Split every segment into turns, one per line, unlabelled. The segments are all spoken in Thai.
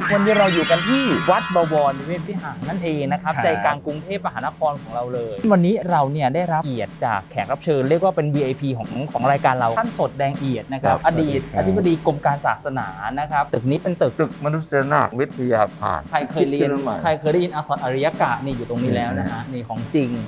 วันนี้เราอยู่กันที่วัดบวรนิเวศวิหารนั่นเองนะครับใจกลางกรุงเทพมหานครของเราเลยวันนี้เราเนี่ยได้รับเกียรติจากแขกรับเชิญเรียกว่าเป็น VIP ของรายการเราท่านสดแดงเอียดนะครับอดีตอธิบดีกรมการศาสนานะครับตึกนี้เป็นตึก
มนุษยนาถวิทยาภาค
ใครเคยเรียนใครเคยได้ยินอักษรอริยกะนี่อยู่ตรงนี้แล้วนะฮะนี่ของจริง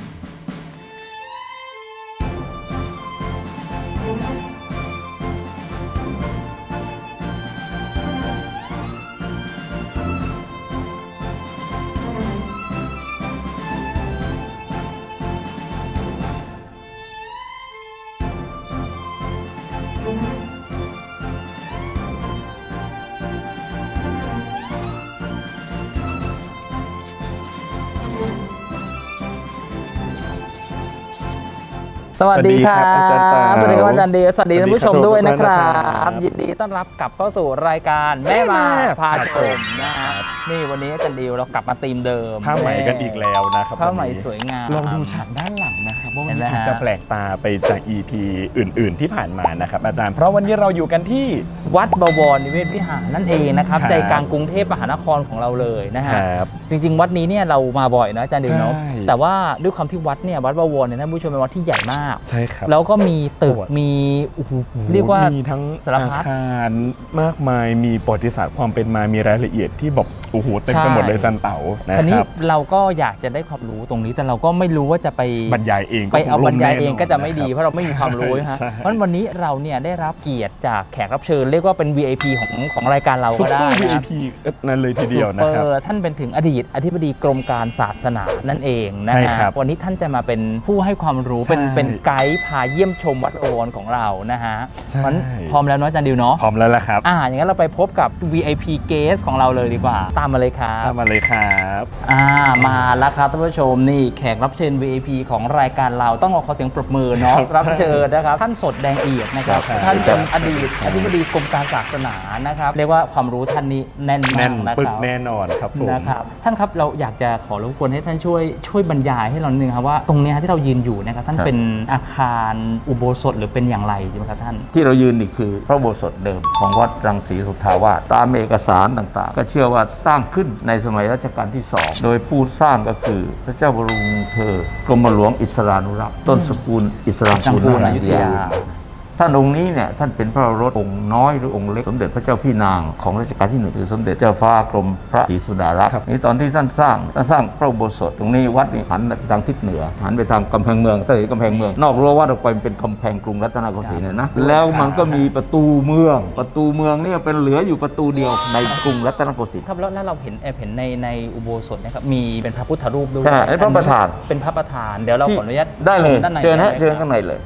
สวัสดีครับสวัสดีครับอาจารย์เดียสวัสดีท่านผู้ชมด้วยนะครับยินดีต้อนรับกลับเข้าสู่รายการแม่มาพาชมนะครับนี่วันนี้อาจารย์เดียวเรากลับมาธีมเดิม
ผ้าไหมกันอีกแล้วนะครับ
ผ้าไหมสวยงาม
ลองดูฉากด้านหลังนะครับว่ามันจะแปลกตาไปจาก EP อื่นๆที่ผ่านมานะครับอาจารย์เพราะวันนี้เราอยู่กันที่
วัดบวรนิเวศวิหารนั่นเองนะครับใจกลางกรุงเทพมหานครของเราเลยนะฮะจริงๆวัดนี้เนี่ยเรามาบ่อยนะอาจารย์เดียวเนาะแต่ว่าด้วยความที่วัดเนี่ยวัดบวรเนี่ยท่านผู้ชมเป็นวัดที่ใหญ่มาก
ใช่ครับ
แล้วก็มีตึกมีเรียกว่า
มีทั้งอาคารมากมายมีประวัติศาสตร์ความเป็นมามีรายละเอียดที่แบบโอ้โหเต็มไปหมดเลยจันเต๋านะครับทีนี้
เราก็อยากจะได้ความรู้ตรงนี้แต่เราก็ไม่รู้ว่าจะไป
บรรยายเอง
ไปเอาบรรยายเองก็จะไม่ดีเพราะเราไม่มีความรู้ฮะเพราะวันนี้เราเนี่ยได้รับเกียรติจากแขกรับเชิญเรียกว่าเป็น VIP ของรายการเราก็ได้นะ
VIP นั่นเลยทีเดียวนะครับ
ท่านเป็นถึงอดีตอธิบดีกรมการศาสนานั่นเองนะฮะวันนี้ท่านจะมาเป็นผู้ให้ความรู้เป็นไกด์พาเยี่ยมชมวัดบวรของเรานะฮะมันพร้อมแล้วเนาะอาจารย์ดิวเนาะ
พร้อมแล้วละครับ
อย่างนั้นเราไปพบกับ VIP guest ของเราเลยดีกว่าตามมาเลยครับ
มาเลยครับ
มาแล้วครับท่านผู้ชมนี่แขกรับเชิญ VIP ของรายการเราต้องขอเสียงปรบมือเนาะรับเชิญนะครับท่านสดแดงเอียดนะครับท่านเป็นอดีตอธิบดีกรมการศาสนานะครับเรียกว่าความรู้ท่านนี้แน่นมากนะครับ
แน่นอนครับผม
นะครับท่านครับเราอยากจะขอรบกวนให้ท่านช่วยบรรยายให้เราหนึ่งครับว่าตรงนี้ที่เรายืนอยู่นะครับท่านเป็นอาคารอุโบสถหรือเป็นอย่างไรใช่ไหมครับท่าน
ที่เรายืนนี่คือพระอุโบสถเดิมของวัดรังสีสุทธาวาสตามเอกสารต่างๆก็เชื่อว่าสร้างขึ้นในสมัยรัชกาลที่2โดยผู้สร้างก็คือพระเจ้าบรมวงศ์เธอกรมหลวงอิสรานุรักษ์ต้นสกุลอิสรางกูลอยุธยาท่านองค์นี้เนี่ยท่านเป็นพระโอรสองค์น้อยหรือองค์เล็กสมเด็จพระเจ้าพี่นางของรัชกาลที่1คือสมเด็จเจ้าฟ้ากรมพระศรีสุดารักษ์นี่ตอนที่ท่านสร้างพระอุโบสถตรงนี้วัดนี่หันไปทางทิศเหนือหันไปทางกำแพงเมืองถ้าเห็นกำแพงเมืองนอกรั้ววัดออกไปเป็นกำแพงกรุงรัตนโกสินทร์นะแล้วมันก็มีประตูเมืองเนี่ยเป็นเหลืออยู่ประตูเดียวในกรุงรัตนโกสินทร์
ครับแล้วเราเห็นในอุโบสถนะครับมีเป็นพระพุทธรูปด้วย
ใช่พระประธาน
เป็นพระประธานเดี๋ยวเราขออนุญาต
ได้เลยเชิญข้างในเลย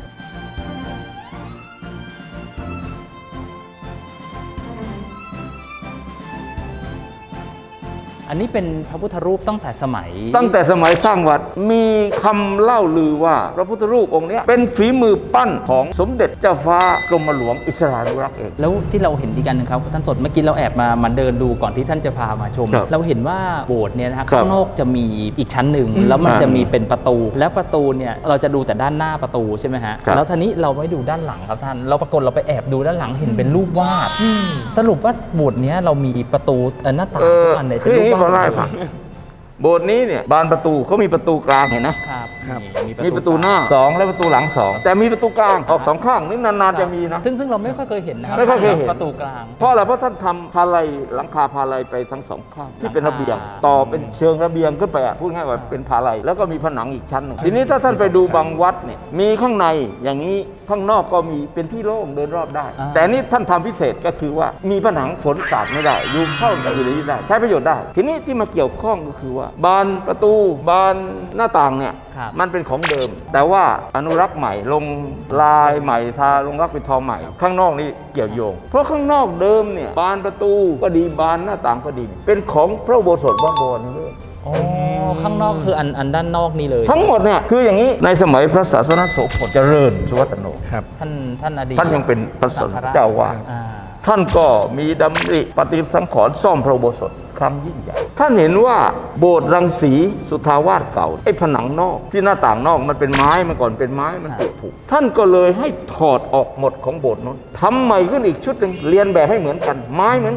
อันนี้เป็นพระพุทธรูปตั้งแต่สมัย
สร้างวัดมีคำเล่าลือว่าพระพุทธรูปองค์นี้เป็นฝีมือปั้นของสมเด็จเจ้าฟ้ากรมหลวงอิสรานุรักษ์เอง
แล้วที่เราเห็นอีกอันหนึ่งครับท่านสดเมื่อกี้เราแอบมาเดินดูก่อนที่ท่านจะพามาชมเราเห็นว่าโบสถ์เนี่ยนะครับข้างนอกจะมีอีกชั้นหนึ่งแล้วมันจะมีเป็นประตูแล้วประตูเนี่ยเราจะดูแต่ด้านหน้าประตูใช่ไหมฮะแล้วทีนี้เราไม่ดูด้านหลังครับท่านเราปรากฏเราไปแอบดูด้านหลังเห็นเป็นรูปวาดสรุปว่าโบสถ์นี้เรามีประตูหน้าต่างทุกอันเลยเป็นรูปวาด
โบสถ์นี้เนี่ยบานประตูเขามีประตูกลางเห็นนะครับมีประตูหน้า2และประตูหลัง2แต่มีประตูกลางออก2ข้างนี่นานๆจะมีนะ
ซึ่งเราไม่ค่อยเคยเห็นนะ
ไม่ค่อยเคยเห็น
ประตูกลาง
เพราะอะไรเพราะท่านทำพาลัยหลังคาพาลัยไปทั้ง2ข้างที่เป็นระเบียงต่อเป็นเชิงระเบียงขึ้นไปพูดง่ายว่าเป็นพาลัยแล้วก็มีผนังอีกชั้นหนึ่งทีนี้ถ้าท่านไปดูบางวัดเนี่ยมีข้างในอย่างนี้ข้างนอกก็มีเป็นที่โล่งเดินรอบได้แต่นี่ท่านทำพิเศษก็คือว่ามีผนังฝนสาดไม่ได้ดูเข้าอยู่ในนี้ได้ใช้ประโยชน์ได้ทีนี้ที่มาเกี่ยวข้องก็คือว่าบานประตูบานหน้าต่างเนี่ยมันเป็นของเดิมแต่ว่าอนุรักษ์ใหม่ลงลายใหม่ทาลงรักเป็นทองใหม่ข้างนอกนี่เกี่ยวโยงเพราะข้างนอกเดิมเนี่ยบานประตูก็ดีบานหน้าต่างก็ดีเป็นของพระอุโบสถวัดบวรนี่เลย
ข้างนอกคืออันด้านนอกนี่เลย
ทั้งหมดเนี่ยคืออย่างนี้ในสมัยพระศาสนโสพลเจริญสุวัตโน
ครับ
ท่านอดีต
ท่านยังเป็นพระศาสนเจ้าวาดท่านก็มีดำริปฏิสังขรณ์ซ่อมพระอุโบสถครั้งยิ่งใหญ่ท่านเห็นว่าโบสถ์รังสีสุทธาวาสเก่าไอ้ผนังนอกที่หน้าต่างนอกมันเป็นไม้มาก่อนเป็นไม้มันผุท่านก็เลยให้ถอดออกหมดของโบสถ์นั้นทำใหม่ขึ้นอีกชุดหนึ่งเรียนแบบให้เหมือนกันไม้เหมือนกัน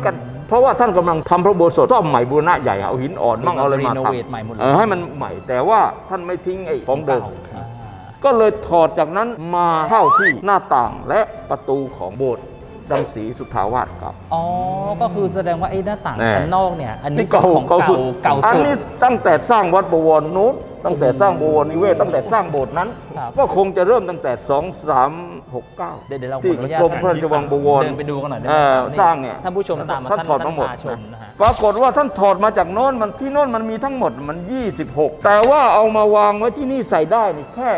เพราะว่าท่านกำลังทำพระอุโบสถซ่อมใหม่บูรณะใหญ่เอาหินอ่อนมั่งเอาอะไรมา
รีโน
ท
เวทใหม่หมดเลย
ำให้มันใหม่ แต่ว่าท่านไม่ทิ้งไอ้ของเดิม
อ่า
ก็เลยถอดจากนั้นมาเข้าที่หน้าต่างและประตูของโบสถ์รังสีสุทธาวาสครับ
อ๋อ ก็คือแสดงว่าไอ้หน้าต่าง
แน่
ชั้นนอกเนี่ย อันนี้
นี่เก่า
ของ
เก่าสุด
เก่า
อัน
สุด
นี้ตั้งแต่สร้างวัดบวรนู้นตั้งแต่สร้างบวรนิเวศตั้งแต่สร้างโบสถ์นั้น
ครับ
ก็คงจะเริ่มตั้งแต่ 2369
เดี๋ยวเราขอ
ที่
อนุญาต
ชมพระราชวังบวร
เดินไปดูกันหน่อยได้
เอ
ไหม
อ
ครับ
สร้างเนี่ย
ท่านผู้ชมตามมา
ท่านถอดมาหมด
พาชมนะฮะ
ปรากฏว่าท่านถอดมาจากโน้นมันที่โน้นมันมีทั้งหมดมัน 26 แต่ว่าเอามาวางไว้ที่นี่ใส่ได้นี่แค่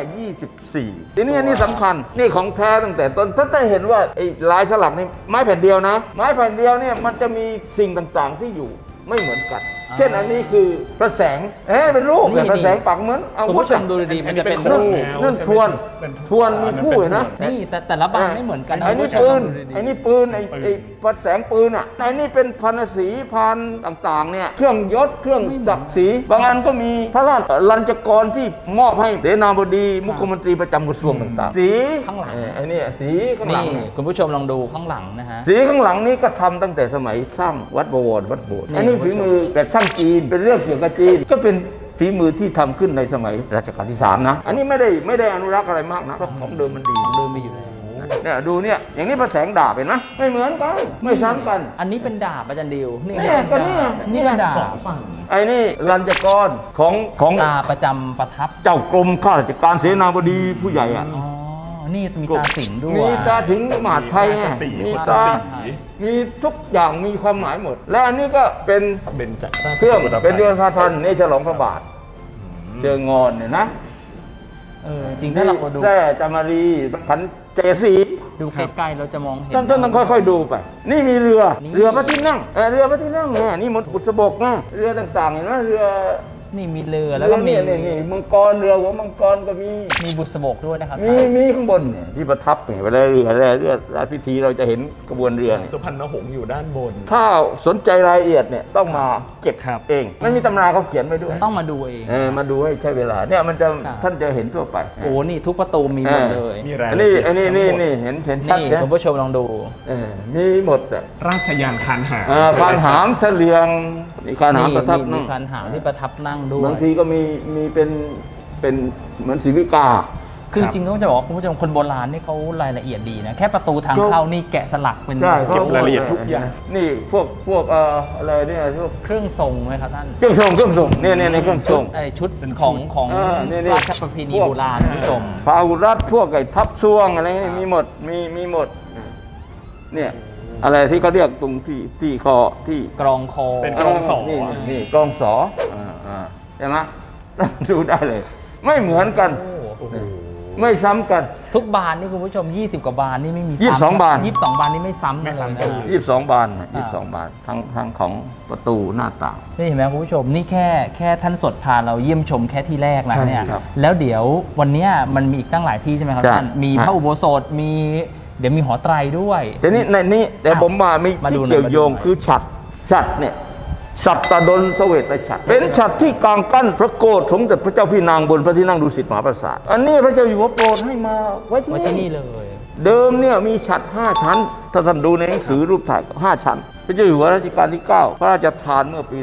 24 ทีนี้อันนี้สำคัญนี่ของแท้ตั้งแต่ต้นท่านได้เห็นว่าไอ้ลายสลักนี่ไม้แผ่นเดียวนะ ไม้แผ่นเดียวเนี่ยมันจะมีสิ่งต่างๆที่อยู่ไม่เหมือนกัน เช่นอันนี้คือพระแสงเป็นรูป
นี่
แต่พระแสงปักเหมือนเอา
คุณผู้ชมดูดีๆมันจะเป็น
อันนี้
รู
เป็น
ป
โค
นั่นทวนทวนมีผู้เห็นนะ
นี่แต่ละบานไม่เหมือนกันนะ
ไอ้นี่
คุณผู้ชม
ปืน
ดูดีๆ
ไอ้นี่ปืนไอ้พระแสงปืนอ่ะไอ้นี่เป็นพันศีพันต่างๆเนี่ยเครื่องยศเครื่องศักดิ์ศรีบางอันก็มีพระราชลัญจกรที่มอบให้เสนาบดีมุขมนตรีประจำกระทรวงต่างๆสี
ข้างหลัง
ไอ้นี่สีข้างหลั
นี่
ง
คุณผู้ชมลองดูข้างหลังนะฮะ
สีข้างหลังนี้ก็ทำตั้งแต่สมัยสร้างวัดบวรวัดโบสถ์
นี่
อันนี้ฝีมือแบบช่างจีนเป็นเรื่องเกี่ยวกับจีนก็เป็นฝีมือที่ทำขึ้นในสมัยรัชกาลที่ 3 นะ อันนี้ไม่ได้อนุรักษ์อะไรมากนะเพราะของเดิมมันดี
เดินไปอยู่เลย
เนี่ยดูเนี่ยอย่างนี้พระแสงดาบเห็นไหมไม่เหมือนกันไม่ซ้ำกัน
อันนี้เป็นดาบอาจารย์ดิวนี่
เนี่ยก็เนี่ย
นี่เป็นดาบ
ไอ้นี่รัญจกรของ
ตาประจำประทับ
เจ้ากรมข้าราชการเสนาบดีผู้ใหญ่อะ
อ๋อ นี่มีตาสิงห์ด้วย
มีตาถึงมหาดไทยไงมีตามีทุกอย่างมีความหมายหมด และอันนี้ก็เป็น
เบญจราช
เครื่อง
กุฎาภ
เป็นเดือนพาพันธ์นี่ฉลองพระบาทเชิงงอนเนี่ยนะ
จริงถ้าเราดู
แท่จามารีขันเจสี
ดูใกล้ๆเราจะมองเห็น
ท่านต้องค่อยๆดูไป นี่มีเรือ
นี่
เรือพระที่นั่งเรือพระที่นั่งเนี่ยนี่มันบุษบกไงเรือต่างๆเห็นไหมเรือ
นี่มีเรือแล้วก็มี
นี่มังกรเรือหัวมังกรก็มี
มีบุษบกด้วยนะครับ
มีข้างบนเนี่ยที่ประทับเนี่ยเวลาเรือพิธีเราจะเห็นกระบวนเรือเนี่ย
สุพรรณหงส์อยู่ด้านบน
ถ้าสนใจรายละเอียดเนี่ยต้องมาเก็บ
ครับ
เองไม่มีตำราเขาเขียนไว้ด้วย
ต้องมาดูเอง
มาดูให้ใช้เวลาเนี่ยมันจะ
ครับ
ท่านจะเห็นทั่วไป
โอ้นี่ทุกประตูมีหมดเลย
มีราย
อัน
ละ
นี้
เอียด
อันนี้
ทั้งหมด
นี่เห็นชัด
นี่
นะ
คุณผู้ชมลองดู
มีหมดอ่ะ
ราชยานคานหาม
คานหามเฉลียงมีคานหามประทับ
มี
นั่ง
คานหามที่ประทับนั่งด้วย
บางทีก็มีเป็นเหมือนศิวิกา
คือจริงๆก็จะบอกว่าคุณผู้ชมคนโบราณนี่เขารายละเอียดดีนะ แค่ประตูทางเข้านี่แกะสลักเป็น
ใช่
เก็บรายละเอียดทุกอย่าง
นี่พวกอะไรเนี่ยพวก
เครื่องทรงไหมครับท่าน
เครื่องทรงเนี่ยเครื่องทรง
ชุดของ
นี่
ราชประเพณีโบราณคุณผู้ชม
พระอาวุธรัฐพวกไอ้ทับซ่วงอะไรนี่มีหมดมีหมดเนี่ยอะไรที่เขาเรียกตรงที่คอที่
กรองคอ
เป็น กรองสอ
นี่กรองสอใช่ไหม ดูได้เลย ไม่เหมือนกัน
โอ้โห
ไม่ซ้ำกัน
ทุกบานนี่คุณผู้ชม 20 กว่าบานนี่ไม่มี
22บาน
22 บานนี่ไม่ซ้ำกันเลยนะ
22 บาน22 บานทั้งของประตูหน้าต่าง
นี่เห็นไหมคุณผู้ชมนี่แค่ท่านสดพาเราเยี่ยมชมแค่ที่แรกนะ
ใช่
เนี่ย
ครับ
แล้วเดี๋ยววันเนี้ยมันมีอีกตั้งหลายที่ใช่ไหมครับ
ใช่
ท่านมีพระอุโบสถมีเดี๋ยวมีหอไตรด้วย
แต่นี่ในนี้แต่ผมมามี
มาดู
ที่
หน่อย
เกี่ยวโยง
มาดูหน่อย
คือฉัดเนี่ยฉัตรดลเสวตฉัตรเป็นฉัตรที่กลางกั้นพระโกศสมเด็จพระเจ้าพี่นางบนพระที่นั่งดุสิตมหาปราสาทอันนี้พระเจ้าอยู่หัวโปรดให้มาไว้
ไว้
ที่
ที่
นี่
นี่เลย
เดิมเนี่ยมีฉัตร5 ชั้น ถ้าท่านดูในหนังสือรูปถ่าย5 ชั้น พระเจ้าอยู่หัวรัชกาลที่ 9 พระราชทานเมื่อปี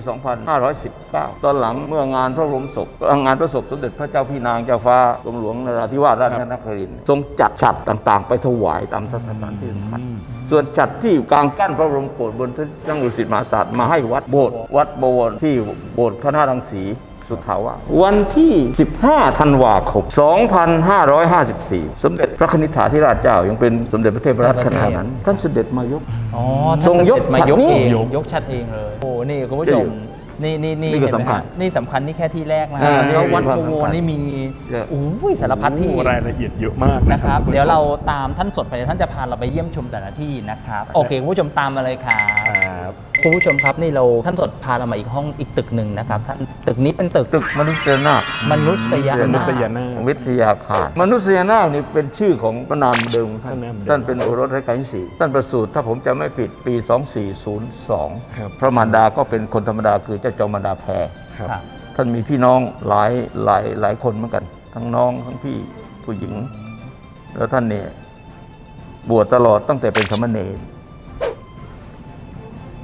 2519 ตอนหลังเมื่องานพระบรมศพงานพระศพสมเด็จพระเจ้าพี่นางเจ้าฟ้ากรมหลวงนราธิวาสราชนครินทร์ทรงจัดฉัตรต่างๆ ไปถวายตามสถานที่สำคัญส่วนฉัตรที่กลางกั้นพระบรมโกศบนพระที่นั่งดุสิตมหาปราสาทมาให้วัดโบสถ์วัดบวรที่โบสถ์คณะรังสีสุทธาวาสวันที่ 15 ธันวาคม 2554 สมเด็จพระนิธิธิราชเจ้ายังเป็นสมเด็จพระเทพรัตนราชขณะนั้นท่านเสด็จมายก
อ๋อ
ทรงยก
มายก
ฉัตรนี้
เองยกชัดเองเลยโอ้นี่คุณผู้ชมนี่
นี่ก็
เห็นไหม
สำคัญ
ฮะนี่สำคัญนี่แค่ที่แรกนะ
อ่านี่
แล้ววัด
มีความ
โพ
สำคัญ
นี่มี
เยอะ
โอ้ยสารพัดที่
โอ้รายละเอียดเยอะมาก
นะครับ
ณผู้ชม
เดี๋ยวเราตามท่านสดไปเดี๋ยวท่านจะพาเราไปเยี่ยมชมแต่ละที่นะครับโอเคคุณผู้ชมตามมาเลยครับ
ครับ
คุณผู้ชมครับนี่เราท่านสดพาเรามาอีกห้องอีกตึกหนึ่งนะครับท่านตึกนี้เป็นตึก
ตึกมนุษยนาถ
มนุษย
มนุษย
นาถ
นาถ
วิทยาคารมนุษยนาถนี่เป็นชื่อของพระนามเดิมของท่าน
พระนามเดิม
ท่านเป็นโอรสรัชกาลที่ 4 ท่านประสูติถ้าผมจะไม่ผิดปี 2402
ครับ
พระมารดาก็เป็นคนธรรมดาคือเจ้าจอมมารดาแพร
ครับ
ครับ
ท่านมีพี่น้องหลายคนเหมือนกัน ทั้งน้องทั้งพี่ผู้หญิง แล้วท่านเนี่ยบวชตลอดตั้งแต่เป็นสามเณร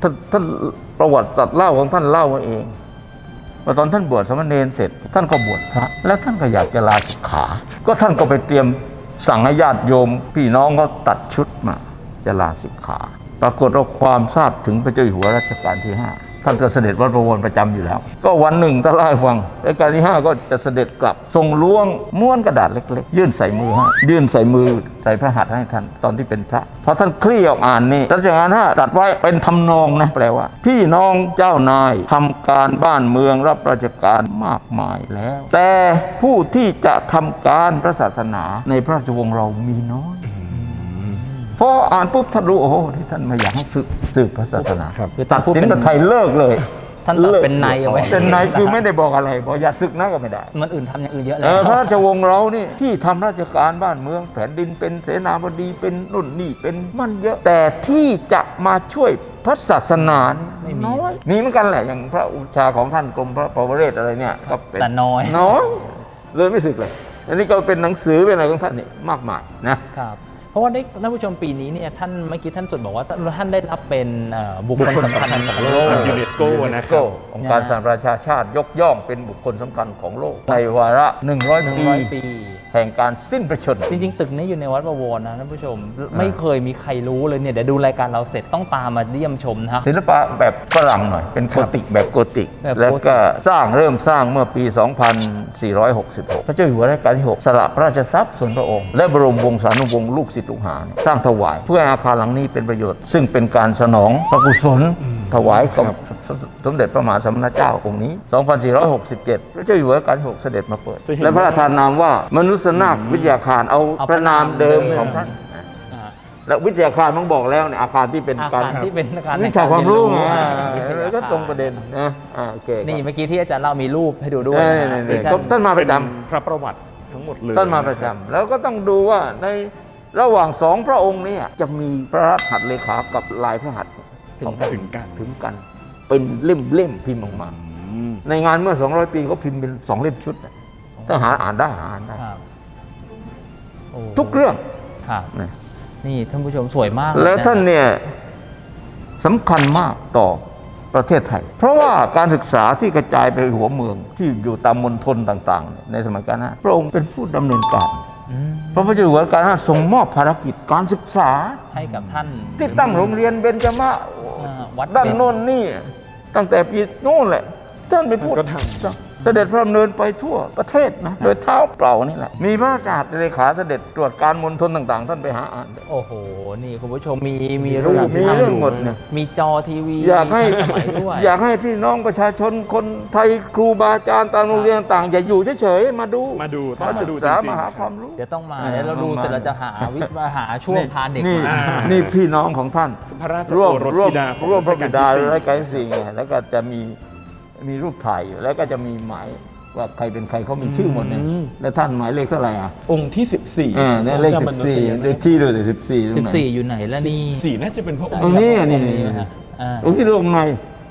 ท่านประวัติศาสตร์เล่าของท่านเล่ามาเองว่าตอนท่านบวชสามเณรเสร็จท่านก็บวชพระแล้วท่านก็อยากจะลาสิกขาก็ท่านก็ไปเตรียมสั่งให้ญาติโยมพี่น้องเขาตัดชุดมาจะลาสิกขาปรากฏว่าความทราบถึงพระเจ้าอยู่หัวรัชกาลที่ 5ท่านจะเสด็จวัดบวรประจำอยู่แล้วก็วันหนึ่งท่านเล่าให้ฟังรัชกาลที่ 5ก็จะเสด็จกลับทรงล้วงม้วนกระดาษเล็กๆยื่นใส่มือให้ยื่นใส่มือใส่พระหัตถ์ให้ท่านตอนที่เป็นพระพอท่านคลี่ออกอ่านนี่รัชกาลที่ 5ตรัสไว้เป็นทำนองนะแปลว่าพี่น้องเจ้านายทำการบ้านเมืองรับราชการมากมายแล้วแต่ผู้ที่จะทำการพระศาสนาในพระราชวงศ์เรามีน้อยพออ่านปุ๊บท่านรู้โอ้โหที่ท่านไม่อยากให้สืบพระศาสนา
คือ
ตัดสินกับไทยเลิกเลย
ท่านตัดเป็นในเอาไว้
เป็นในคือไม่ได้บอกอะไรบอกอย่าศึกนะก็ไม่ได้
มันอื่นทำอย่างอื่นเยอะแล้ว
พระราชวงศ์เรานี่ที่ทำราชการบ้านเมืองแผ่นดินเป็นเสนาบดีเป็นนู่นนี่เป็นมันเยอะ แต่ที่จะมาช่วยพระศาสนานี่น้อยมีเหมือนกันแหละอย่างพระอุชาของท่านกรมพระปวเรศอะไรเนี่ยก็เป็น
แต่น้อย
เลยไม่ศึกเลยอันนี้ก็เป็นหนังสือเป็นอะไรของท่านนี่มากมายนะครับ
เพราะว่าได้ท่านผู้ชมปีนี้เนี่ยท่านเมื่อกี้ท่านสุดบอกว่าท่านได้รับเป็นบุคคลสำคัญของโลก
ยูเนสโกนะครับ
องค์การสหประชาชาติยกย่องเป็นบุคคลสำคัญของโลกในวาระ100 ปีแห่งการสิ้นพระชนม์
จริงๆตึกนี้อยู่ในวัดบวรนะท่านผู้ชมไม่เคยมีใครรู้เลยเนี่ยเดี๋ยวดูรายการเราเสร็จต้องตามมาเยี่ยมชมนะ
ศิลปะแบบฝรั่งหน่อยเป็นโกธิกแบบโกธิก
แบบโกธิก
แล้วก็เริ่มสร้างเมื่อปี 2466 พระเจ้าอยู่หัวรัชกาลที่ 6 สละพระราชทรัพย์ส่วนพระองค์และบรมวงศานุวงศ์ลูกศิษย์ลูกหาสร้างถวายเพื่อให้อาคารหลังนี้เป็นประโยชน์ซึ่งเป็นการสนองพระกุศลถวายกับสมเด็จพระมหาสมณเจ้าองค์นี้ 2467 พระเจ้าอยู่หัวรัชกาลที่ 6 เสด็จมาเปิด และพระราชทานนามว่ามนุษยนาถวิทยาคารเอาพระนามเดิมของท่าน และวิทยาคารต้องบอกแล้วเนี่ยอาคารที่เป็น
อา
การ
คารที่เป็นอาคาร
วิชาความรู้ไง
วิทยา
แล้วก็
คา
ตรงประเด็นนะโอเค
นี่เมื่อกี้ที่อาจารย์เล่ามีรูปให้ดูด้วย
นี่
ที่
ท่านมาประจ
พระประวัติทั้งหมดเลย
ำท่านมาประจำแล้วก็ต้องดูว่าในระหว่างสองพระองค์เนี่ยจะมีพระหัตถ์เลขากับลายพระหัตถ์ของท่าน
ถึงกัน
ถึงกัน เป็นเล่มพิมพ์ออกมา ในงานเมื่อ 200 ปีเขาพิมพ์เป็น2 เล่มชุดนะถ้าหาอ่านได้
ครับโอ้
ทุกเรื่อง
ครับ
นะ
นี่ท่านผู้ชมสวยมาก
แล้วท่านเนี่ยสำคัญมากต่อประเทศไทย เพราะว่าการศึกษาที่กระจายไปหัวเมืองที่อยู่ตามมณฑลต่างๆ ในสมัยกาลนั้นพระองค์เป็นผู้ดำเนินการ
อืม
พระพุทธเจ้าอยู่หัวรัชกาลที่ 5ทรงมอบภารกิจการศึกษา
ให้กับท่าน
ที่ตั้งโรงเรียนเบญจมะ
วัด
ด้าน
เบญ
โน่นนี่ตั้งแต่ปีโน่นแหละท่านเป็นผู้
ก็ท
เสด็จพระดำเนินไปทั่วประเทศนะโดยเท้าเปล่านี่แหละมีพระราชหัตถ์เลขาเสด็จตรวจการมณฑลต่างๆ ท่านไปหาอ่าน
โอ้โห นี่คุณผู้ชมมีรูป
มี
ให้
เรื่อง
ดู
หมดเนี่ย
มีจอทีวี
อยากให้
มีสมัยด้วย
อยากให้พี่น้องประชาชนคนไทยครูบาอาจารย์ตามโรงเรียนต่างๆอย่าอยู่เฉยๆมาดู
มาดู
มา
มา
ศึ
ดู
ก
จ
ษา
ริงๆ
มาหาความรู้
เดี๋ยวต้องมา
เออ
เดี๋ยวเราดู
ต้องมา
เสร็จเราจะหาหาช่วงพาเด็ก
นี่
มา
นี่พี่น้องของท่าน
พระราช
ร่วม
โอรส
ร่วม
ธิดาของ
ร่วมพระบิดา
รัชกาลที่
รัชกาลที่ 4ไงแล้วก็จะมีรูปถ่ายอยู่แล้วก็จะมีหมายว่าใครเป็นใครเขามีชื่อหมดเลยแล้วท่านหมายเลขเท่าไหร่อ่ะ
องค์ที่ 14
เนี่ยเลข 14เลขที่ด้วย14ตรงไหน
14 อยู่ไหนแล้วนี่
14น่าจะเป็นพระอง
ตรง
ค์
นี้
ครับ
นี่
ตรงนะฮะอ่า
ตรงที่ลงใน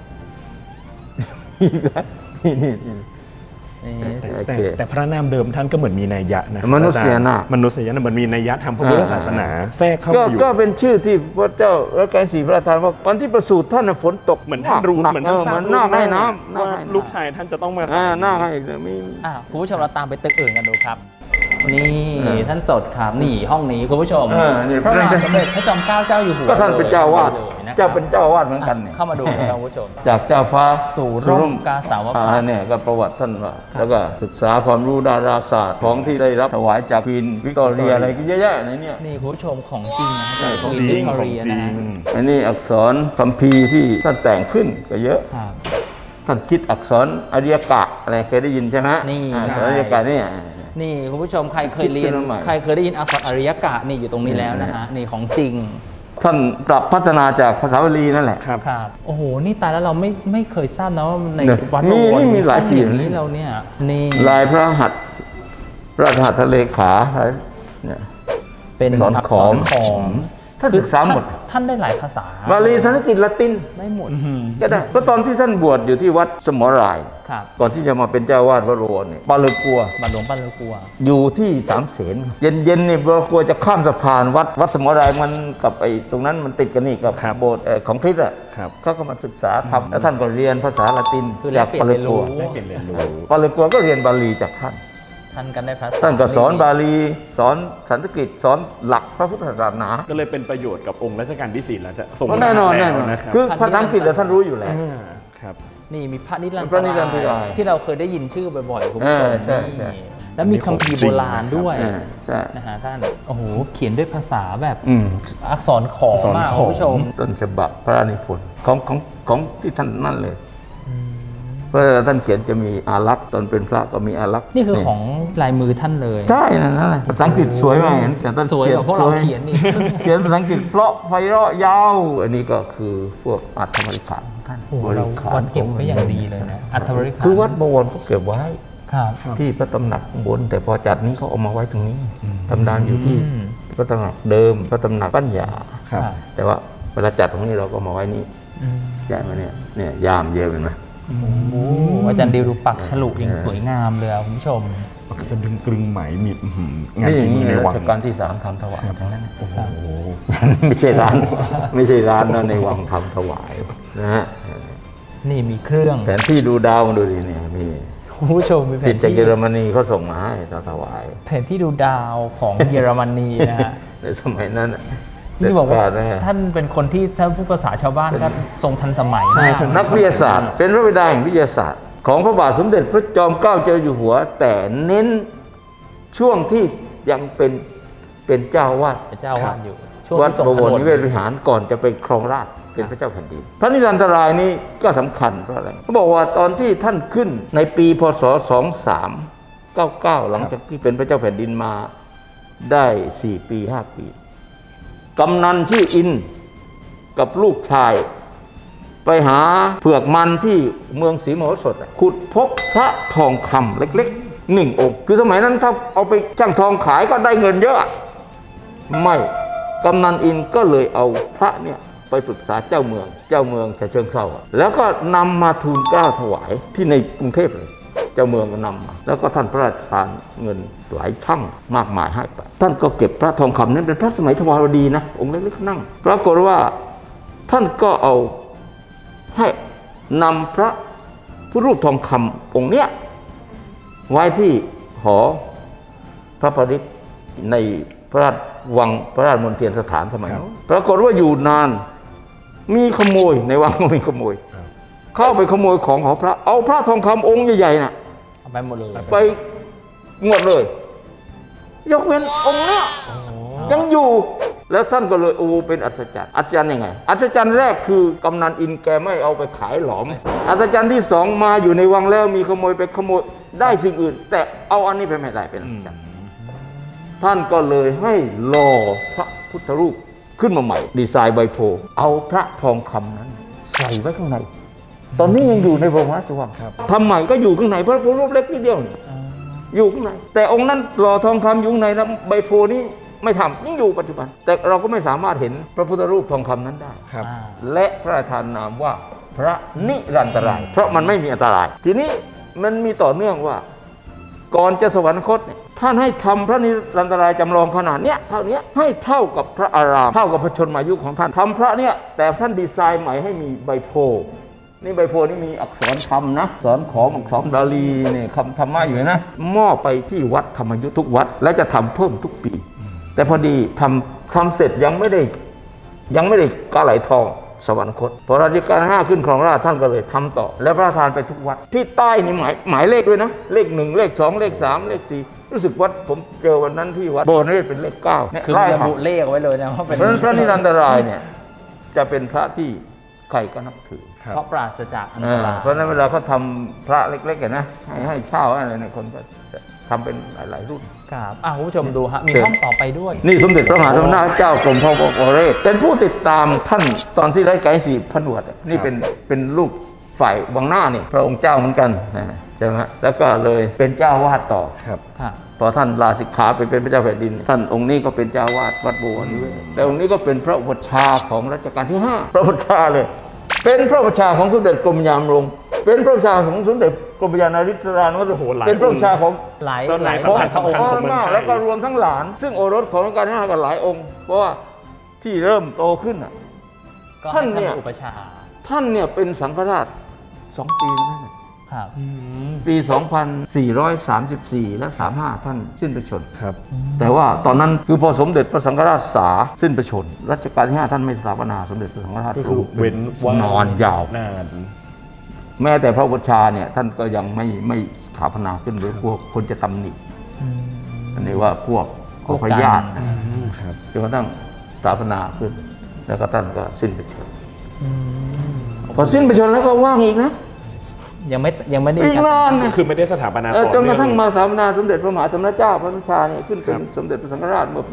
นี่
นี่
แต่พระนามเดิมท่านก็เหมือนมีนัยยะนะ
มนุษยนาถ
มนุษยนาถเหมือนมีนัยยะทางพระพุทธศาสนาแทรกเข้า
ก็
มาอยู่
ก็เป็นชื่อที่พระเจ้ารัชกาลที่ 4พระราชทานว่าวันที่ประสูติท่านน่ะฝนตก
เหมือนท่านรู้
หนัก
เหมือนท่าน
เห
ทรา
มื
บ
อนหน้าให้น้ำหน้า
ว่า
ให้น้ำ
ลูกชายท่านจะต้องมา
หน้าให้มี
คุณผู้ชมเราตามไปตึกอื่นกันดูครับ นี่
เออ
ท่านสดครับนี่ห้องนี้คุณผู้ชม
นี่
พระมหาสมเด็จพระจอมเกล้าเจ้าอยู่หัว
ก็ท่านเป็นเจ้าวาด
เลยนะครับ
เจ้าเป็นเจ้าวาดเหมือนกันเนี่ย
เข้ามาดูนะครับคุณผู้ชม
จากเจ้าฟ้า
สู่ร่มกาสาวพัส
เนี่ยก็ประวัติท่านว่าแล้วก็ศึกษาความรู้ดาราศาสตร์ของที่ได้รับถวายจากควีนวิกตอเรียอะไรก็เยอะแยะในเนี่ย
นี่คุณผู้ชมของจริงนะ
ใช่
ของ
จริ
วิ
ง
กตอ
ของ
เรีย
จริ
นะ
ง
อันนี้อักษรคัมภีร์ที่ท่านแต่งขึ้นก็เยอะ
ครับ
ท่านคิดอักษรอริยกะอะไรเคยได้ยินใช่ไหม
นี่
อักษรอริยกะเนี่ย
นี่คุณผู้ชมใครเคยเรียน
คิดขึ้นมาใหม่
ใครเคยได้ยินอักษรอริยกะนี่อยู่ตรงนี้แล้วนะฮะนี่ของจริง
ท่านปรับพัฒนาจากภาษาบาลีนั่นแหละ
ครับ
ครับโอ้โหนี่ตายแล้วเราไม่เคยทราบนะว่าใน
เนี่ย
วัด
มี
บวร
มีหลาย
ห้อง
ปี
อย่างนี้เราเนี่ยนี่
ลายพระหัตถ์ราชหัตถเลขาเนี่ย
เป็น
สอนขอม
ขอม
ท่านศึกษาหมด
ท่านได้หลายภาษา
บาลีสันสกฤตละติน
ได้หมด
ก็ได้ก็ตอนที่ท่านบวชอยู่ที่วัดสมราย
ครับ
ก่อนที่จะมาเป็นเจ้าวาดวัดบวรเนี่ยปาเลอกัว
บาทหลวงป้าเลอกัว
อยู่ที่สามเสนเย็นๆนี่ปาเลอกัวจะข้ามสะพานวัดสมรายมันกับไอ้ตรงนั้นมันติดกันนี่กับ
ครับ
โบสถ์ของคริสต์อ่ะ
ครับ
เขาก็มาศึกษาทำแล้วท่านก็เรียนภาษาละติน
คือแล
จาก
กเปลี่ย
ปาน เล
เรียนรู้
กัว
ได้เปลี่ยนเรียนรู้
ปาเลกัวก็เรียนบาลีจากท่าน
ท่านกันได้ภาษา
ท่านก็สอนบาลีสอนสันสกฤตสอนหลักพระพุทธศาสนา
ก็เลยเป็นประโยชน์กับองค์รัชกาลที่ 4 แล้วจะส่ง
แน่นอน
ล้ว
แน่นอน
นะครับ
คือภาษาอังกฤษเนี่ยท่านรู้อยู่แล้ว
ครับ
นี่มีพระนิรัน
พระนิรันตราย
ที่เราเคยได้ยินชื่อบ่อยๆคุณผู้ชม
ใช่ใช่
นี่แล้วมีคัมภีร์โบราณด้วย
ใช่
นะฮะท่านโอ้โหเขียนด้วยภาษาแบบ
อืม
อักษรขอม
อักษร
มาก
ขอม
คุณผู้ชม
ต้นฉบับพระนิพนธ์ของที่ท่านนั่นเลยเพราะท่านเขียนจะมีอารักษ์ตอนเป็นพระก็มีอารักษ์
นี่คือของลายมือท่านเลย
ใช่นั่นแหละภาษาอังกฤษสวยมากเห็นแต่ท่าน
สวยกว่าพวกเราเขียนอีก
เขียนภาษาอังกฤษเพราะไพเราะยาว อันนี้ก็คือพวกอัตถบริขารของท่าน
โอ้โหเราวัดเก็บไว้อย่างดีเลยนะอัฐบริขาร
คือวัดบวรเขาเก็บไว้
ครับ
ที่พระตำหนักข้างบน แต่พอจัดนี้เขาเอามาไว้ตรงนี้ตำนานอยู่ที่
อืม
พระตำหนักเดิมพระตำหนักปัญญา
ครับ
แต่ว่าเวลาจัดตรงนี้เราก็มาไว้นี่
อืม
ย้ายมาเนี่ยยามเยอะเห็นไหม
โอ้โหอาจารย์ดิวดูปักฉลุอย่างสวยงามเลยอะคุณผู้ชม
สดึงกรึงไหมมีงาน
นี่อ
ฝี
ย่าง
มื
นี้
อใน
ใน
วั
รั
ง
ชกาลที่ 3ทำถวายทั้งนั้น
โอ้โห
ไม่ใช่ร้าน ไม่ใช่ร้านนะในวังทำถวายนะฮะ
นี่มีเครื่อง
แผนที่ดูดาวมาดูดิเนี่ยมี
คุณผู้ชมมีแผ
ติด
น
จาก
ที่
เยอรมนีเขาส่งมาให้ตอนถวาย
แผนที่ดูดาวของเยอรมนีนะฮะ
ในสมัยนั้นน่ะ
ที่บอกว่า
เด็ดขดนะฮะ
ท่านเป็นคนที่ถ้าพูดภาษาชาวบ้านก็ทรงทันสมัย
ใช่
มาก
นักวิทยาศาสตร์ เป็นพระบิดาแห่งวิทยาศาสตร์ ของพระบาทสมเด็จพระจอมเกล้าเจ้าอยู่หัว แต่เน้นช่วงที่ยังเป็นเจ้าวาด
เป็นเจ้าวาดอยู่ ช่วง
วัด
ที่ทรง
บวร
ถน
นิเวศวิหารก่อนจะไปครองราชย์เป็นพระเจ้าแผ่นดินพระนิรันตรายนี้ก็สำคัญเพราะอะไรเขาบอกว่าตอนที่ท่านขึ้นในปีพศ 2399 หลังจากที่เป็นพระเจ้าแผ่นดินมาได้ 4 ปี 5 ปีกำนันชื่ออินกับลูกชาย ไปหาเผือกมันที่เมืองศรีมโหสถขุดพบพระทองคำเล็กๆ1 องค์คือสมัยนั้นถ้าเอาไปจ้างทองขายก็ได้เงินเยอะ ไม่กำนันอินก็เลยเอาพระเนี่ยไปปรึกษาเจ้าเมืองฉะเชิงเทราแล้วก็นำมาทูลเกล้าถวายที่ในกรุงเทพเลย เจ้าเมืองก็นำมาแล้วก็ท่านพระราชทานเงินหลายช่างมากมายให้ไปท่านก็เก็บพระทองคำนั้นเป็นพระสมัยทวารวดีนะองค์เล็กๆนั่งปรากฏว่าท่านก็เอาให้นำพระพุทธรูปทองคำองค์เนี้ยไว้ที่หอพระปริตรในพระราชวังพระราชมณฑลสถานสมัยนั้นปรากฏว่าอยู่นานมีขโมยในวังก็มีขโมย เข้าไปขโมยของพระเอาพระทองคำองค์ใหญ่ๆน่ะ
เอาไปหมดเลย
ไปหมดเลย ยกเว้นองค์เนี้ยยังอยู่ แล้วท่านก็เลยโอ้เป็นอัศจรรย์อัศจรรย์ยังไง อัศจรรย์แรกคือกำนันอินแกไม่เอาไปขายหลอม อัศจรรย์ที่สองมาอยู่ในวังแล้วมีขโมยไปขโมยได้สิ่งอื่น แต่เอาอันนี้ไปไม่ได้เป็นอัศจรรย์ท่านก็เลยให้หล่อพระพุทธรูปขึ้นมาใหม่ ดีไซน์ใบโพธิ์เอาพระทองคำนั้นใส่ไว้ข้างใน ตอนนี้ยังอยู่ในบรมราชวังทำใหม่ก็อยู่ข้างในพระพุทธรูปเล็กนิดเดียวนี่อยู่ข้างในแต่องค์นั้นหล่อทองคำอยู่ข้างในแล้วใบโพธิ์นี้ไม่ทำยังอยู่ปัจจุบัน แต่เราก็ไม่สามารถเห็นพระพุทธรูปทองคำนั้นได้
ครับ
และพระราชทานนามว่าพระนิรันตราย เพราะมันไม่มีอันตราย ทีนี้มันมีต่อเนื่องว่า ก่อนจะสวรรคตเนี่ยท่านให้ทำพระนิรันตรายจำลองขนาดเนี้ยเท่านี้ให้เท่ากับพระอารามเท่ากับพระชนมายุของท่านทำพระเนี่ยแต่ท่านดีไซน์ใหม่ให้มีใบโพธิ์นี่ใบโพธิ์นี่มีอักษรธรรมนะอักษรขอมอักษรบาลีเนี่ยคำธรรมะอยู่นะมอบไปที่วัดธรรมยุทธทุกวัดและจะทำเพิ่มทุกปี แต่พอดีทำเสร็จยังไม่ได้กาไหลทองสวรรคตพอรัชกาล5ขึ้นครองราชย์ท่านก็เลยทำต่อ และพระราชทานไปทุกวัดที่ใต้นี่หมายเลขด้วยนะเลข1เลข2เลข3เลข4รู้สึกวัดผมเจอวันนั้นที่วัดโบนี่เป็นเลข9เนี่ย
คือ
ไล่
ระ
มา
บุเลขเอาไว้เลยนะว่าเป็น
เพราะฉะนั้นพระนิรันตรายเนี่ยจะเป็นพระที่ใครก็นับถือ
เพราะปราศจากอันตราย
เพราะฉะนั้นเวลาเขาทำพระเล็กๆนะให้เช่าอะไรเนี่ยคนก็จะทำเป็นหลายๆรุ่น
ครับคุณผู้ชมดูฮะมีห้องต่อไปด้วย
นี่สมเด็จพระมหาสมณะเจ้ากรมพระวรเรศเป็นผู้ติดตามท่านตอนที่รัชกาลที่ 4ผนวดนี่เป็นลูกฝ่ายวังหน้านี่พระองค์เจ้าเหมือนกันใช่ไหมแล้วก็เลยเป็นเจ้าวาดต่อ
ครับ
ครับ
พอท่านลาสิกขาไปเป็นพระเจ้าแผ่นดิน ท่านองค์นี้ก็เป็นเจ้าวาดวัดบวรนิเวศแต่องค์นี้ก็เป็นพระอุปัชฌาย์ของรัชกาลที่ 5 พระอุปัชฌาย์เลยเป็นพระประชาของสมเด็จกรมยามรงค์เป็นพระประชาของสมเด็จกรมยานาริศรานุสรเป็นพระประชาของ
หลาย
เจ้าหลาย
พระ
สำคัญ
องค์
ของเมืองไทย
แล้วก็รวมทั้งหลาน ซึ่งโอรสของรัชกาลที่ 5กันหลายองค์ เพราะว่าที่เริ่มโตขึ้นน่ะ
ก็
ท่าน
ให้
เนี่ย
อุปชา
ท่านเนี่ยเป็นสังฆราช2 ปีนั่นแหละ
ครับ
ปี 2434 และ 35 ท่านสิ้นพระชนม์
ครับ
แต่ว่าตอนนั้นคือพอสมเด็จพระสังฆราชสาสิ้นพระชนม์รัชกาลที่ 5 ท่านไม่สถาปนาสมเด็จพระสังฆราช
ก็คือเว้นว่าน
อนยาว
นาน
แม้แต่พระอุปชฌาย์เนี่ยท่านก็ยังไม่สถาปนาขึ้นเลยพวกคนจะตำหนิอันนี้ว่าพวกพญาติ
ครับ
จนกระทั่งสถาปนาขึ้น แล้วก็ท่านก็สิ้นพระชนม์พอสิ้นพระชนม์แล้วก็ว่างอีกนะ
ยังไม่ได้
อีกนานนะ
คือไม่ได้สถาปนา
จนกระทั่ง
ต่อ
มา
เนื่อ
สถาปนาสมเด็จพระมหาสมณเจ้าพระนุชาเนี่ยขึ้นเป็น
ครับ
สมเด็จพระสังฆราชเมื่อปี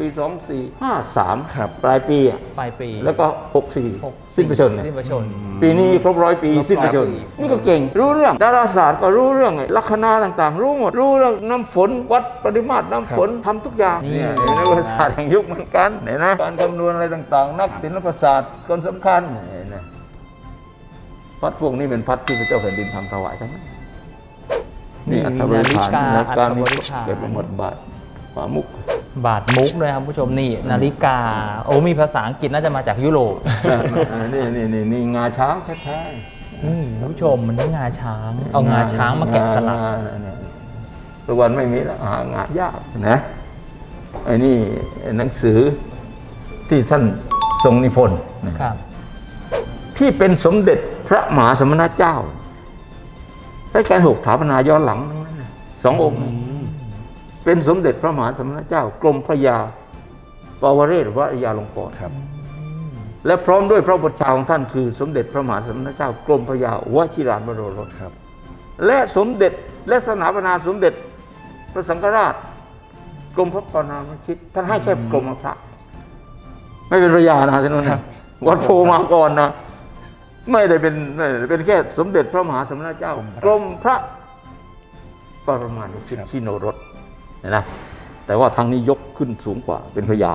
2453
ครับ
ปลายปีอะ
ปลายปี
แล้วก็ 64 สิ้นพระชนม์เนี่ย
สิ้นพระชนม์
ปีนี้ครบ100 ปีสิ้นพระชนม์
100 ปี
นี่ก็เก่งรู้เรื่องดาราศาสตร์ก็รู้เรื่องไงลัคนาต่างๆ รู้หมดรู้เรื่องน้ำฝนวัดปริมาตรน้ำฝนทำทุกอย่างเนี่ยในประวัติศาสตร์แห่งยุคเหมือนกันเห็นไหมการคำนวณอะไรต่างๆ นักศิลปศาสตร์คนสำคัญเห็นไหมพัดพวกนี้เป็นพัดที่พระเจ้าแผ่นดินทำถวายทั้งนั้นนี่อัฐบริขารและการมีเกิดเป็นหมดบาทฝามุก
บาทมุกเลยครับผู้ชมนี่นาฬิกาโอ้มีภาษาอังกฤษน่าจะมาจากยุโรป
นี่งาช้างแท้
นี่ผู้ชมมันนี่งาช้าง เอางาช้างมาแกะสลัก
ทุกวันไม่มีแล้วหางานยากนะไอ้นี่หนังสือที่ท่านทรงนิพนธ์นะครับ ที่เป็นสมเด็จพระมหาสมณเจ้ารัชกาลที่ 6สถาปนาย้อนหลังทั้งนั้นนะ2 องค์นะเป็นสมเด็จพระมหาสมณเจ้ากรมพระยาปวเรศวรยาลงกรณ์
ครับ
และพร้อมด้วยพระบุตรชาของท่านคือสมเด็จพระมหาสมณเจ้ากรมพระยาวชิราบรมรส
ครับ
และสมเด็จและสถาปนาสมเด็จพระสังฆราชกรมพระปรามชิตท่านให้แค่กรมพระไม่เป็นพระยานะท่านนู้นนะวัดโพมาก่อนนะไม่ได้เป็นแค่สมเด็จพระมหาสมณเจ้ากรมพระปรมานุชิตชิโนรสเห็นไหมแต่ว่าทางนี้ยกขึ้นสูงกว่าเป็นพระยา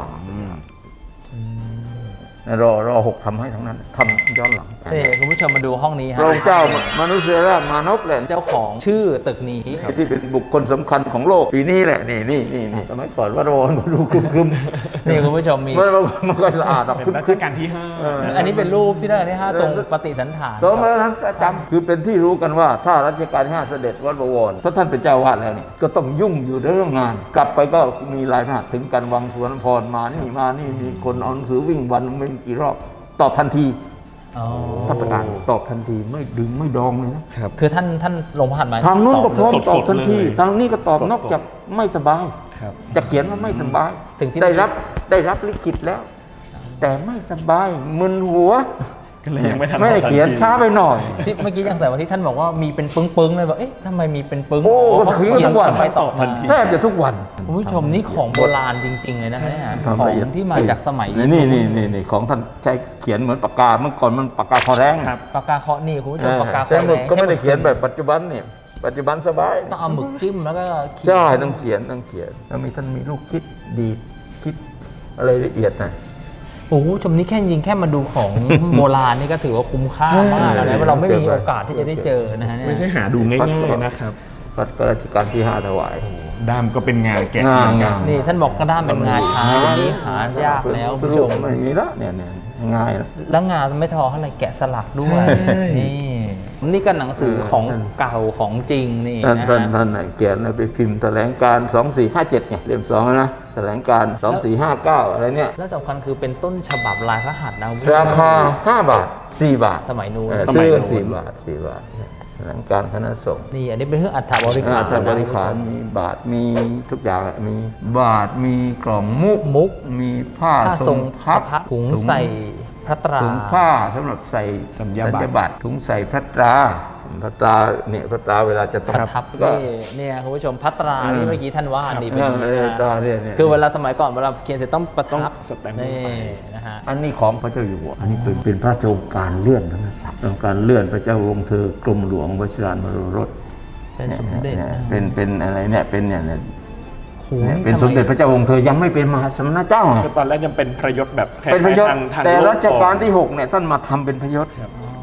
รอ6ทำให้ทั้งนั้นทำย้อนหลัง
นี่คุณผู้ชมมาดูห้องนี้
พ
ฮะ
ระองค์เจ้ามนุษยราชมานพแหละ
เจ้าของชื่อตึกนี้
ที่เป็นบุคคลสำคัญของโลกปีนี้แหละนี่สมัยก่อนว่าโรนมาดูคลุม
นี่คุณผู้ชมมี
มันก็สะอาดออก
เป็นรัชกาลที่
อันนี้เป็นรูปที่ได้ที่5ทรงปฏิสันฐาน
สมัยนั้นจำคือเป็นที่รู้กันว่าถ้ารัชกาลที่ 5เสด็จวัดบวรถ้าท่านเป็นเจ้าวาดแล้วนี่ก็ต้องยุ่งอยู่เรื่องงาน กลับไปก็มีรายพระหัตถ์ถึงกันวังสวนพรมานี่มีคนเอาหนังสือวิ่งวันไม่กี่รอบตอบทันที
อ๋อ
ถ้าประกาศตอบทันทีไม่ดึงไม่ดองเลยนะ
ครับ
คือท่านลงพระหัตถ์มา
ทางนู้นก็พร้อม
สดๆ
ตอบทันที
เลย
ทางนี้ก็ตอบ
สดๆ
นอกจากไม่สบาย
ครับ
จะเขียนว่าไม่สบาย
ถึงที่
ได้รับลิขิตแล้ว แต่ไม่สบายมึนหัว
ก็เลยยังไม่ทัน
ไม่ได้เขียนช้าไปหน่อย
ที่เมื่อกี้ยังใส่ว่าที่ท่านบอกว่ามีเป็นปึ้งๆเลยบอกเอ๊ะทำไมมีเป็นปึ้ง
โอ้
เพราะ
ก็คือ
เขียน
ทุกวัน
ไปตอบ
ทันที
แทบจะทุกวัน
คุณผู้ชมนี่ของโบราณจริง ๆ เลยนะเนี่ย
ทำ
ของ
ละเอียด
ที่มาจากสมัย
นี่ของท่านใช้เขียนเหมือนปากกาเมื่อก่อนมันปากกาคอแรง
ครับ
ปากกาเคาะนี่คุณผู้ชมปากกา
ใช้
เคาะ
หมึก
แรง
ก็ไม่ได้
ใช้ห
เขียนแบบปัจจุบันเนี่ยปัจจุบันสบาย
ต้องเอาหมึกจิ้มแล้วก็เขียน
ใช่ต้องเขียนแล้วท่านมีลูกคิดดีดคิดอะไรละเอียดหน่อย
โอ้โหชมนี่แค่จริงแค่มาดูของ โบราณนี่ก็ถือว่าคุ้มค่ามากแล้วนะเพราะเราไม่มีโอกาสที่จะได้เจอนะฮะเนี่ย
ไม่ใช่หาดูง่ายๆนะครับ
รัชกาลที่ 5ถวาย
ด้ามก็เป็นงานแกะ
งาน
เหมือนกัน
นี่ท่านบอกกระด้ามเป็นงาช้างอันนี้หายากแล้วคุณผู้ชม
ไม่มีละเนี่ยง่ายแล้ว
แล้วงาไม่ทอเท่าไหร่แกะสลักด้วย
ใช่
นี่ก็หนังสือของเก่าของจริงนี่
ท่าน
นะ
ท่าน
ฮะ
ท่านเขียนไปพิมพ์แถลงการ2457ไงเล่ม2นะแถลงการ2459อะไรเนี่ย
แล้วสำคัญคือเป็นต้นฉบับลายพระหัตถ์นะคุณผู้ชม
ราคา5 บาท 4 บาท
สมัยนู้น
ซื้อกัน4 บาทแถลงการคณะสงฆ์
นี่อันนี้เป็นเครื่องอัฐบริขาร
บริขารมีบาทมีทุกอย่างมีบาทมีกล่องมุกมีผ้า
ผ้าทรง
พับ
สะพะถุงใส่พระตรา
ถุงผ้าสำหรับใส่
สัญญาบัตร
ถุงใส่พระตราเนี่ยพระตราเวลาจะต้อ
ป
ง
ระทับ
ก็
เนี่ยคุณผู้ชมพัตราที่เมื่อกี้ท่านว่านี่เป็น
ตราเนี่ย
คือเวลาสมัยก่อนเวลาเขียนเสร็จต้องประทับ
ต้องสแตมป์
นี่
ลงไป
นะฮะ
อันนี้ของพระเจ้าอยู่หัวอันนี้เป็นพระราชโองการเลื่อนพระนศักดิ์องค์การเลื่อนพระเจ้าวงศ์เธอกรมหลวงวชิราบรมรส
เป็นสมเด็จ
เนี่ย
นะ
เป็นอะไรเนี่ยเป็นเนี่ยเนี่ย
โอ้โห
เป็นสมเด็จพระเจ้าวงศ์เธอยังไม่เป็นมหาสมณเจ้าไง
คือตอนแรกยังเป็นพระยศแบบคล้าย
เป็นพระยศ
ๆทาง
แต่
โลก
รัชกาลที่ 6เนี่ยท่านมาทำเป็นพระยศ
ครับ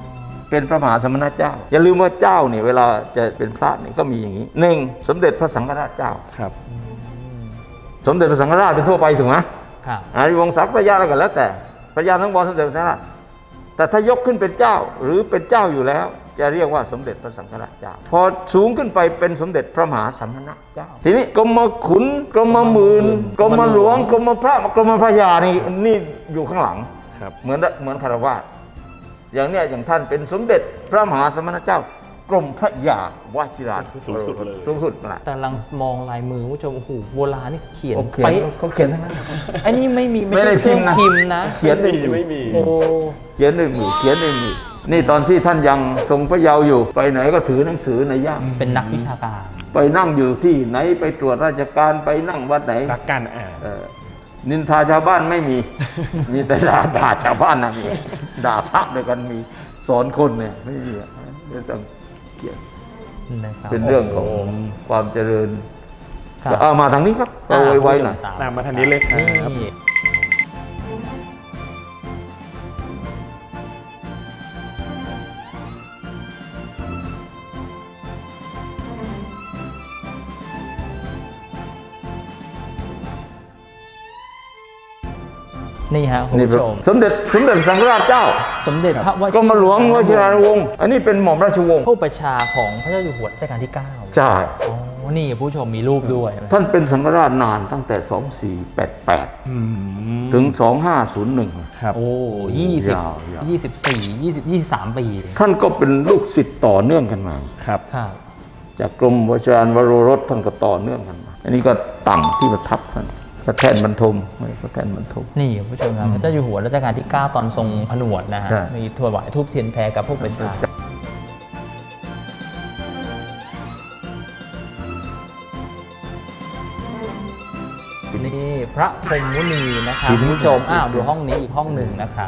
เป็นพระมหาสมณเจ้าอย่าลืมว่าเจ้าเนี่ยเวลาจะเป็นพระเนี่ยก็มีอย่างนี้หนึ่งสมเด็จพระสังฆราชเจ้า
ครับ
สมเด็จพระสังฆราชเป็นทั่วไปถูกไหม
ครับ
อาริวงศ์ศักดิ์พระยาอะไรกันแล้วแต่พระยาทั้งบอลสมเด็จพระสังฆราชแต่ถ้ายกขึ้นเป็นเจ้าหรือเป็นเจ้าอยู่แล้ว จะเรียกว่าสมเด็จพระสังฆราชเจ้า พอสูงขึ้นไปเป็นสมเด็จพระมหาสัมณเจ้า ทีนี้กรมขุนกรมหมื่นกรมหลวงกรมพระกรมพระยานี่อยู่ข้างหลัง
ครับ
เหมือนคารวาสอย่างเนี้ยอย่างท่านเป็นสมเด็จพระมหาสมณเจ้ากรมพระยาวชิรา
สูงสุดเลย
สูงสุดแหละ
แต่ลังมองลายมือผู้ชมโอ้โหโบราณนี่เขียน
โอเค
ไป
เขาเขียนทั้งนั้น
ไอ้นี่ไม่มี
ไม่ได้
ใช่เครื่อง
พิ
พิ
ม
ม
พ์
พ์
นะ
นะ
เขียนด้วยมือ
ไม่มี
โอ้
เขียนด้วยมือเขียนด้วยมือนี่ตอนที่ท่านยังทรงพระเยาว์อยู่ ไปไหนก็ถือหนังสือในย่าม
เป็นนักวิชาการ
ไปนั่งอยู่ที่ไหนไปตรวจราชการไปนั่งวัดไหน
รักการอ่าน
นินทาชาวบ้านไม่มี มีแต่ด่าชาวบ้านนะมีด่าพระด้วยกันมีสอนคนเนี่ยไม่มีไม่ต้องเขียน
นะครับ
เป็นเรื่องของความเจริญ
ครับ
เอามาทางนี้ครับเอาไว้หน่อย
ตามมาทางนี้เลยครับ
นี่นี่ฮะคุณ
นี่
ผู้ชม
สมเด็จสังฆราชเจ้า
สมเด็จพระวชิ
กรมหลวงวชิราวงศ์อันนี้เป็นหม่อมราชวงศ์
ผู้ประชาของพระเจ้าอยู่หัวรัชกาลที่ 9
ใช่
อ๋อนี่ผู้ชมมีรูปด้วย
ท่านเป็นสังฆราชนานตั้งแต่ 2488 ถึง 2501
ครับ
โอ้
ยาว
23 ปี
ท่านก็เป็นลูกศิษย์ต่อเนื่องกันมา
ครับ
ครับ
จากกรมวชิรานวโรรสท่านก็ต่อเนื่องกันมา อันนี้ก็ตั้งที่ประทับท่านพระแท่นบรรทมพระแท่นบรรทม
นี่คุณผู้ชมครับพระเจ้าอยู่หัวรัชกาลที่ 9 ตอนทรงผนวดนะฮะ
ใช่
มีถวายทูปเทียนแพรกับพวกประชานี่พระพรหมมุนีนะครับคุณผู้ชมดูห้องนี้อีกห้องหนึ่งนะครับ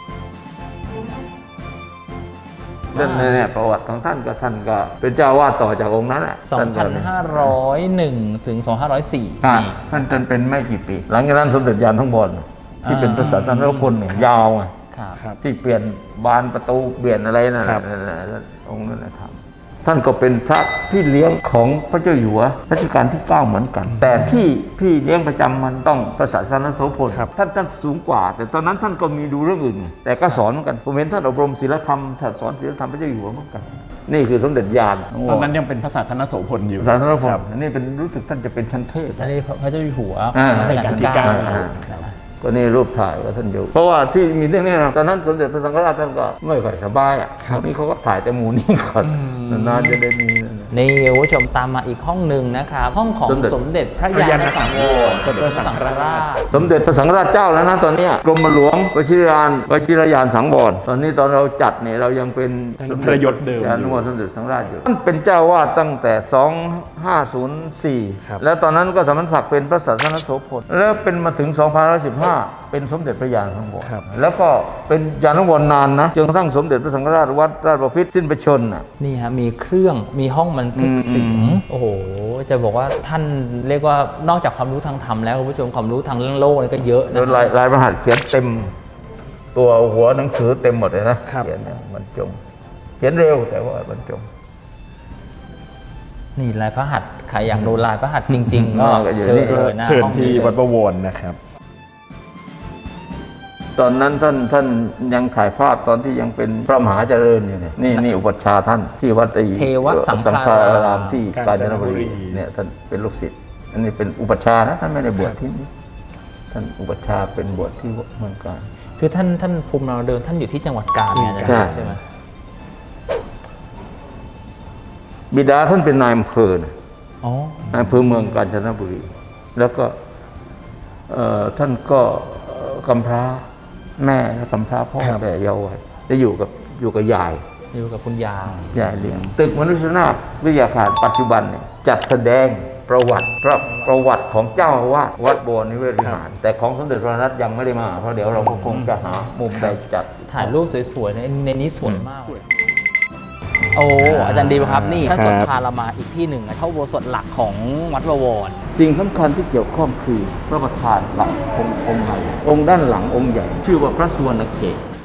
เรื่องนี้เนี่ยประวัติของท่านก็เป็นเจ้าวาดต่อจากองค์นั้นแหละท่านก็
2,501 ถึง 2,504
อ่า
นี่
ท่านเป็นไม่กี่ปี หลังจากนั้นสมเด็จยานทั้งบนที่เป็นพระสันตนพลเนี่ยยาวไง
ครับ
ครับ
ที่เปลี่ยนบานประตูเปลี่ยนอะไรนั่นแห
ครั
ละ
บ
นั่นแหละองค์นั้นนะครับท่านก็เป็นพระพี่เลี้ยงของพระเจ้าอยู่หัวรัชกาลที่ 9 เหมือนกัน แต่ที่พี่เลี้ยงประจำมันต้องพระศาสนโสพลท่านสูงกว่า แต่ตอนนั้นท่านก็มีดูเรื่องอื่น แต่ก็สอนเหมือนกันผมเห็นท่านอบรมศีลธรรมท่านสอนศีลธรรมพระเจ้าอยู่หัวเหมือนกัน นี่คือสมเด็จญาณ
ตอนนั้นยังเป็นพระศาสนโสพลอยู่
ศาสนโสพ
ค
ล
รับ
อันนี้เป็นรู้สึกท่านจะเป็นชั้นเทพ
อันนี้พระเจ้าอยู่หัว
รั
รัชกาลที่
รัชกาลที่
9
9
นะ
ก็นี่รูปถ่ายว่าท่านอยู่ เพราะว่าที่มีเรื่องนี้นะตอนนั้นสมเด็จพระสังฆราชท่านก็ไม่ค่อยสบายอ่ะนี่เขาก็ถ่ายแต่หมูนี่ก่อนนานๆจะได้มีนั่นน่ะ
นี่คุณผู้ชมตามมาอีกห้องหนึ่งนะครับ ห้องของ
สมเด็จ
สมเด็จพระยาณสังวรสมเด็จพระสังฆราช
สมเด็จพระสังฆราชเจ้าแล้วนะตอนเนี้ยกรมหลวงวชิรยานสังวรตอนนี้ตอนเราจัดเนี่ยเรายังเป็น
ยังพระยศเดิมอยู่
ยานวรสมเด็จสังฆราชอยู่ท่านเป็นเจ้าวาดตั้งแต่ 2504 แล้วตอนนั้นก็สมณศักดิ์เป็นพระศาสนโสพลแล้วเป็นมาถึง 2515 เป็นสมเด็จพระยาณสังวร
ครับ
แล้วก็เป็นยานวรนานนะจนกระทั่งสมเด็จพระสังฆราชวัดราชบพิตรสิ้นพระชนม์น่ะ
นี่ฮะมีเครื่องมีห้องบันทึกเสียงโอ้โห จะบอกว่าท่านเรียกว่านอกจากความรู้ทางธรรมแล้วคุณผู้ชมความรู้ทางเรื่องโลกนี่ก็เยอะ
แล้ว
นะ
ลายพระหัตถ์เขียนเต็มตัวหัวหนังสือเต็มหมดเลยนะครับ เขียนเนี่ยบรรจงเขียนเร็วแต่ว่าบรรจง
นี่ลายพระหัตถ์ใครอยากดูลายพระหัตถ์จริง ๆ ก็
ก็อยู่
เชิญ
นี่
เลยนะ
เชิญ
ห้อง
ที่
นี้
วัดประวรนะครับ
ตอนนั้นท่านยังถ่ายภาพตอนที่ยังเป็นพระมหาเจริญอยู่เนี่ยนี่อุปัชฌาย์ท่านที่วัดไอ้
เทวสัง
สัง
ฆา
ฆาร
าร
าม มที่กาญจนบุรี
กาญจนบุรี
เนี่ยท่านเป็นลูกศิษย์อันนี้เป็นอุปัชฌาย์นะท่านไม่ได้บวชที่นี่ท่านอุปัชฌาย์เป็นบวชที่เมืองกาญ
คือท่านภูมิเราเดิมท่านอยู่ที่จังหวัดกาญเนี่ยนะ
ใช่
ใช่ไหม
บิดาท่านเป็นนายอำเภอนะ
อ๋อ
นายอำเภอเมืองกาญจนบุรี แล้วก็ท่านก็กำพร้าแม่และกำพร้าพ่อ
ครับ
แต่เยาว์วัยได้อยู่กับยาย
อยู่กับคุณยาย
ยายเลี้ยงตึกมนุษยนาถวิทยาคารปัจจุบันเนี่ยจัดแสดงประวัติของเจ้าอาวาสวัดบวรนิเวศวิหาร แต่ของสมเด็จพระนัทยังไม่ได้มาเพราะเดี๋ยวเราก็คงจะหามุมใดจัด
ถ่ายรูปสวยๆในนี้สวยมาก โอ้อาจารย์ดีครับนี่ท่าน
ครับ
สนพาเรามาอีกที่หนึ่งเท่าโบสถ์หลักของวัดบวร
สิ่งสำคัญที่เกี่ยวข้องคือพระประธานหลักองค์ใหญ่องค์ด้านหลังองค์ใหญ่ ชื่อว่าพระสุวรรณเขต